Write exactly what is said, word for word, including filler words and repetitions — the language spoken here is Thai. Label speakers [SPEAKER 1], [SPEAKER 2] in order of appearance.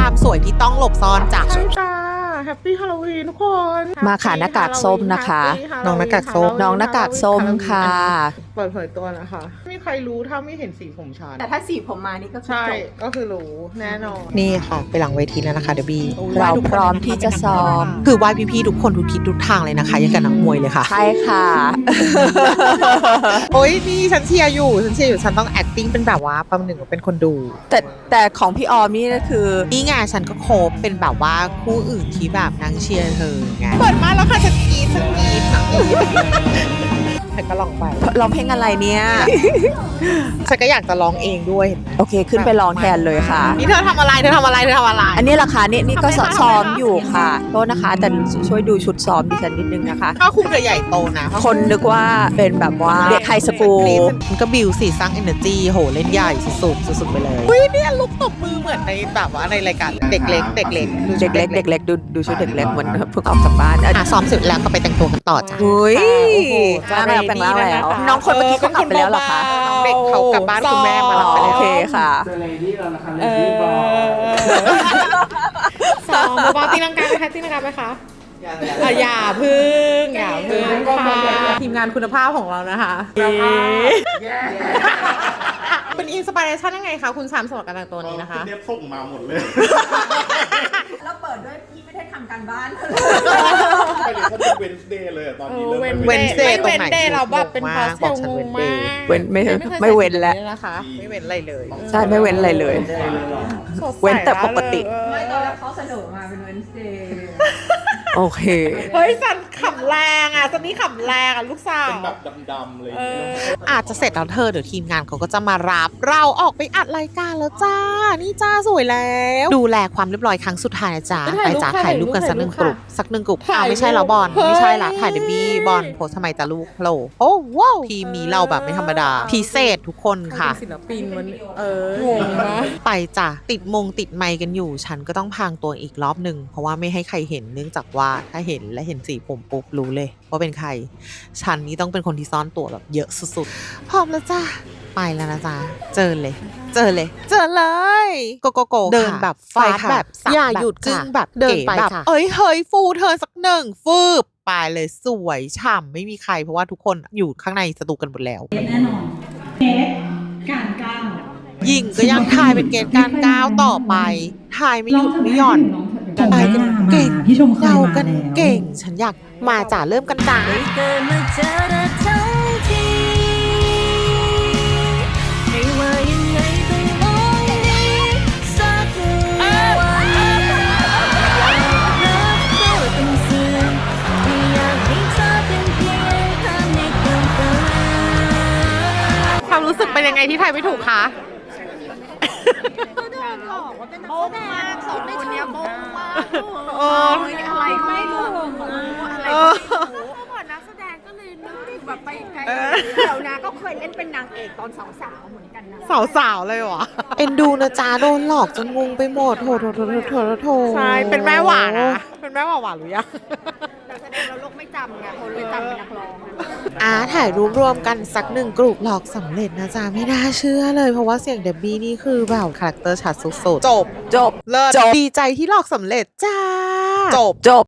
[SPEAKER 1] ความสวยที่ต้องหลบซ่อนจ้ะ
[SPEAKER 2] ใช่จ้าแฮปปี้ฮาโลวีนทุกคน
[SPEAKER 3] มาค่ะหน้ากากส้มนะคะ
[SPEAKER 1] น้องหน้ากากส้ม
[SPEAKER 3] น้องหน้ากากส้มค่ะ
[SPEAKER 2] เปิดเผยตัวนะคะไม่มีใครรู้ถ้าไม่เห็นสีผมฉัน
[SPEAKER 3] แต่ถ้าสีผมมานี่ก็คือ
[SPEAKER 2] ใช่
[SPEAKER 3] จบ
[SPEAKER 2] ก็คือรู้แน่นอน
[SPEAKER 1] นี่ค่ะไปหลังเวทีแล้วนะคะเดบี
[SPEAKER 3] เราพร้อมที่จะซ้อม
[SPEAKER 1] คือไหว้พี่ๆทุกคนทุกทิศทุกทางเลยนะคะยังกับนักมวยเลยค่ะ
[SPEAKER 3] ใช่ค่ะ
[SPEAKER 1] โอ้ยนี่ฉันเชียร์อยู่ฉันเชียร์อยู่ฉันต้อง acting เป็นแบบว่าประหนึ่งว่าเป็นคนดู
[SPEAKER 3] แต่แต่ของพี่ออมนี่ก็คือ
[SPEAKER 1] นี่ไงฉันก็โคบเป็นแบบว่าคู่อื่นที่แบบนางเชียร์เธอไงเปิดมาแล้วค่ะฉันกรี๊ดฉันกรี๊ดฉันกรี๊ดฉันก็ลองไป
[SPEAKER 3] ร้องเพลงอะไรเนี่ย
[SPEAKER 1] ฉันก็อยากจะร้องเองด้วย
[SPEAKER 3] โอเคขึ้นไปร้องแทนเลยค่ะ
[SPEAKER 1] นี่เธอทำอะไรเธอทำอะไรเธอทำอะไร
[SPEAKER 3] อันนี้ราคานี่นี่ก็
[SPEAKER 1] ทำไมคะ
[SPEAKER 3] ซ้อม
[SPEAKER 1] ทำไมคะ
[SPEAKER 3] อยู่ค่ะโทษนะคะ แต่ช่วยดูชุดซ้อมดิฉันนิดนึงนะคะ
[SPEAKER 1] ถ้าคุณเธอใหญ่โตนะ
[SPEAKER 3] คนนึกว่าเป็นแบบว่าเด็กไฮสคูล
[SPEAKER 1] มันก็บิวสีสร้าง energy โหเล่นใหญ่สุดๆสุดๆไปเลยอุ้ยเนี่ยลุกตบมือเหมือนในแบบว่าในรายการเด็กเล็กเด็กเล็ก
[SPEAKER 3] เด็กเล็กเด็กเล็กดูดูชุดเด็กเล็กเหมือนเพิ่งออกจากบ้านอ่ะ
[SPEAKER 1] อ่ะซ้อมเสร็จแล้วก็ไปแต่งตัวกันต่อจ้ะ
[SPEAKER 3] เฮ้ย
[SPEAKER 2] โอ้โห
[SPEAKER 3] จ้างแล้วแต่งแล้วแล้ว น้องคนเมื่อกี้เขากลับไปแล้วเหรอคะ
[SPEAKER 1] เด็กเขากลับบ้านคุณแม่มารับไป
[SPEAKER 3] โอ
[SPEAKER 1] แล้ว
[SPEAKER 3] เคค่ะ
[SPEAKER 4] เจอเลดี้แล้วนะคะเล
[SPEAKER 2] เอ
[SPEAKER 4] ดี้บอล
[SPEAKER 2] อสองเบาๆตีลังกาไหมคะตีลังกาไหมคะอ่ะอย่าพึ่งอย่าพึ่งค่ะทีมงานคุณภาพของเรานะคะ เป็นอินสปิเรชันยังไงคะคุณชามสำหรับการแต่งตัวนี้นะคะ
[SPEAKER 4] เรียบส่งมาหมดเลย
[SPEAKER 3] แล้วเปิดด้วยพี่ไม่ได้ทำการบ้าน
[SPEAKER 4] ไปเดี๋ยวเขาเป็นเวนส์เดย์เลยอะตอนนี้เริ่ม
[SPEAKER 2] เว้น
[SPEAKER 4] ไม่
[SPEAKER 1] เว้
[SPEAKER 4] เวน
[SPEAKER 1] น
[SPEAKER 4] ส์
[SPEAKER 1] เด
[SPEAKER 4] เด
[SPEAKER 1] ย์
[SPEAKER 4] ย์
[SPEAKER 1] ตรงไหน
[SPEAKER 2] เดย์เราแบบเป็นพาสเท
[SPEAKER 1] บอ
[SPEAKER 2] ล
[SPEAKER 1] กฉัน
[SPEAKER 2] ง
[SPEAKER 1] เว้
[SPEAKER 2] ง
[SPEAKER 1] น
[SPEAKER 2] มา
[SPEAKER 1] เดย์
[SPEAKER 2] ก
[SPEAKER 3] เว้นไม่
[SPEAKER 2] คย
[SPEAKER 3] ไม่เว้นแล้ว
[SPEAKER 2] ใส่สีนะคะ
[SPEAKER 1] ไม่เว้นอะไรเลย
[SPEAKER 3] ใช่ไม่เว้นอะไรเลย
[SPEAKER 2] สดใส
[SPEAKER 3] เว้นแต่ปกติ
[SPEAKER 5] ไม่ตอนแรกเขาเสนอมาเป็นเวนสเดย์
[SPEAKER 3] โอเค
[SPEAKER 2] เฮ้ยสันขำแรงอ่ะสันนี่ขำแรงอ่ะลูกสาว
[SPEAKER 4] เป็นแบบดำๆเลยางเงี้ย
[SPEAKER 1] อาจจะเสร็จแล้วเธอเดี๋ยวทีมงานเขาก็จะมารับเราออกไปอัดรายการแล้วจ้า นี่จ้าสวยแล้ว ดูแลความเรียบร้อยครั้งสุดท้ายนะจ้าไปจ้าถ่ายรูปกันสักหนึ่งกลุ่มสักหนึ่งกลุ่มอ้าวไม่ใช่แล้วบอลไม่ใช่ละถ่ายเดบี้บอลโพสทำไมจ้าลูกโผล่โอ้ว้าวทีมนี้เราแบบไม่ธรรมดาพิเศษทุกคนค่ะ
[SPEAKER 2] ศิลปินมันเอองงนะ
[SPEAKER 1] ไปจ้ะติดมงติดไมค์กันอยู่ ฉันก็ต้องพรางตัวอีกรอบหนึ่งเพราะว่าไม่ให้ใครเห็นเนื่องจากว่าถ้าเห็นและเห็นสีผมปุ๊บรู้เลยว่าเป็นใคร ฉันนี่ต้องเป็นคนที่ซ่อนตัวแบบเยอะสุดๆพร้อมแล้วจ้ะไปแล้วนะจ๊ะเจอเลย เจอเลย เจอเลยโกโกโกเดินแบบฟาดแบบอย่าหยุดกึ่งแบบเดินไปแบบเอ้ยเฮ้ยฟูเธอสักหนึ่งฟืบไปเลยสวยฉ่ำไม่มีใครเพราะว่าทุกคนอยู่ข้างในสตูกันหมดแล้ว
[SPEAKER 5] แน่นอนเกตการก้าว
[SPEAKER 1] หญิงก็ยังทายเป็นเกณฑ์การก้าวต่อไปทายไม่หยุดไม่หย่อนไปกันเก่ง
[SPEAKER 5] พี่ชมเคย
[SPEAKER 1] เดา
[SPEAKER 5] มา
[SPEAKER 1] กัน
[SPEAKER 5] แล้ว
[SPEAKER 1] เก่ง ฉันอยากมาจ่าเริ่มกันจ้า
[SPEAKER 6] เกิดมาเจอเธอทั้งทีไม่ว่ายังไงต้องมองนี้สักวันอยากรับก็ต้องสื่อไม่อยากให้เธอเป็นเพียงภาพในความฝัน
[SPEAKER 2] ความรู้สึกเป็นยังไงที่ทายไม่ถูกคะ
[SPEAKER 6] โบ้มากสองคนเนี้ยโบ้มาก
[SPEAKER 2] เออ
[SPEAKER 6] อะไรก็ไม่รู้อะไร
[SPEAKER 2] เอ
[SPEAKER 6] ก็
[SPEAKER 2] อ
[SPEAKER 6] ไม่รู้ก่อนนักแสดงก็เลยนึกถึงแบบไปไกล
[SPEAKER 5] เดี๋ยวนะก็เคยเล่นเป็นนางเอกตอนสาวๆเหมือนกันนะ
[SPEAKER 2] สาวๆเลยวะ
[SPEAKER 1] เอ็นดูนะจ้าโดนหลอกจนงงไปหมดโถโถโถโถโถโถ
[SPEAKER 2] ใช่เป็นแม่หวานนะเป็นแม่หวานหวานหรือยัง
[SPEAKER 5] แต่แสดงเราโลกไม่จำไงคนเลยจำเป็นนักร้องนะ
[SPEAKER 1] อ่าถ่ายรูปรวมกันสักหนึ่งกลุ่มหลอกสำเร็จนะจ๊ะไม่น่าเชื่อเลยเพราะว่าเสียงเดบบี้นี่คือแบบคาแรคเตอร์ชัดสุดๆจบ
[SPEAKER 3] จบ
[SPEAKER 1] เลิศ
[SPEAKER 3] จบ
[SPEAKER 1] ดีใจที่หลอกสำเร็จจ้าจบ
[SPEAKER 3] จบ